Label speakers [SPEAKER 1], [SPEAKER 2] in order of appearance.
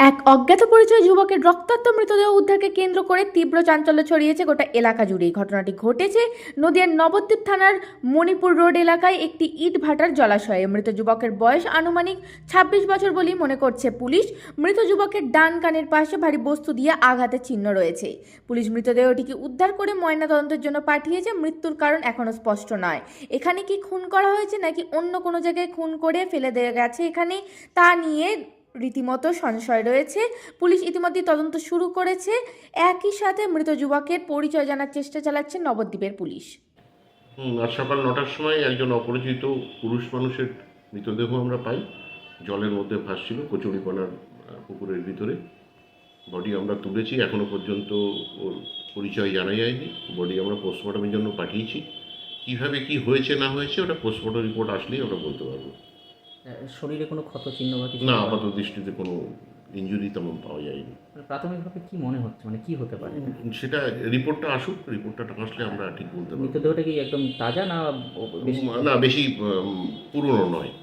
[SPEAKER 1] এক অজ্ঞাত পরিচয় যুবকের রক্তাক্ত মৃতদেহ উদ্ধারকে কেন্দ্র করে তীব্র চাঞ্চল্য ছড়িয়েছে গোটা এলাকা জুড়ে। ঘটনাটি ঘটেছে নদিয়ার নবদ্বীপ থানার মণিপুর রোড এলাকায় একটি ইট ভাটার জলাশয়ে। মৃত যুবকের বয়স আনুমানিক ২৬ বছর বলেই মনে করছে পুলিশ। মৃত যুবকের ডান কানের পাশে ভারী বস্তু দিয়ে আঘাতের চিহ্ন রয়েছে। পুলিশ মৃতদেহটিকে উদ্ধার করে ময়নাতদন্তের জন্য পাঠিয়েছে। মৃত্যুর কারণ এখনও স্পষ্ট নয়। এখানে কি খুন করা হয়েছে নাকি অন্য কোনো জায়গায় খুন করে ফেলে দেওয়া গেছে এখানে, তা নিয়ে রীতিমতো সংশয় রয়েছে। পুলিশ ইতিমধ্যে তদন্ত শুরু করেছে। একই সাথে মৃত যুবকের পরিচয় জানার চেষ্টা চালাচ্ছে নবদ্বীপের পুলিশ।
[SPEAKER 2] আজ সকাল ৯টার সময় একজন অপরিচিত পুরুষ মানুষের মৃতদেহ আমরা পাই। জলের মধ্যে ভাসছিল কচুরিপানার পুকুরের ভিতরে। বডি আমরা তুলেছি, এখনও পর্যন্ত ওর পরিচয় জানা যায়নি। বডি আমরা পোস্টমর্টমের জন্য পাঠিয়েছি। কীভাবে কি হয়েছে না হয়েছে ওটা পোস্টমর্টম রিপোর্ট আসলেই আমরা বলতে পারবো।
[SPEAKER 3] শরীরে কোনো ক্ষত চিহ্ন বা কিছু
[SPEAKER 2] না, আপাত দৃষ্টিতে কোনো ইনজুরি তেমন পাওয়া যায়নি।
[SPEAKER 3] প্রাথমিকভাবে কি মনে হচ্ছে, মানে কি হতে পারে?
[SPEAKER 2] সেটা রিপোর্টটা আসুক, রিপোর্টটা আসলে আমরা ঠিক বলতে পারবো।
[SPEAKER 3] মৃতদেহটা কি একদম তাজা না বেশি?
[SPEAKER 2] না, বেশি পুরনো নয়।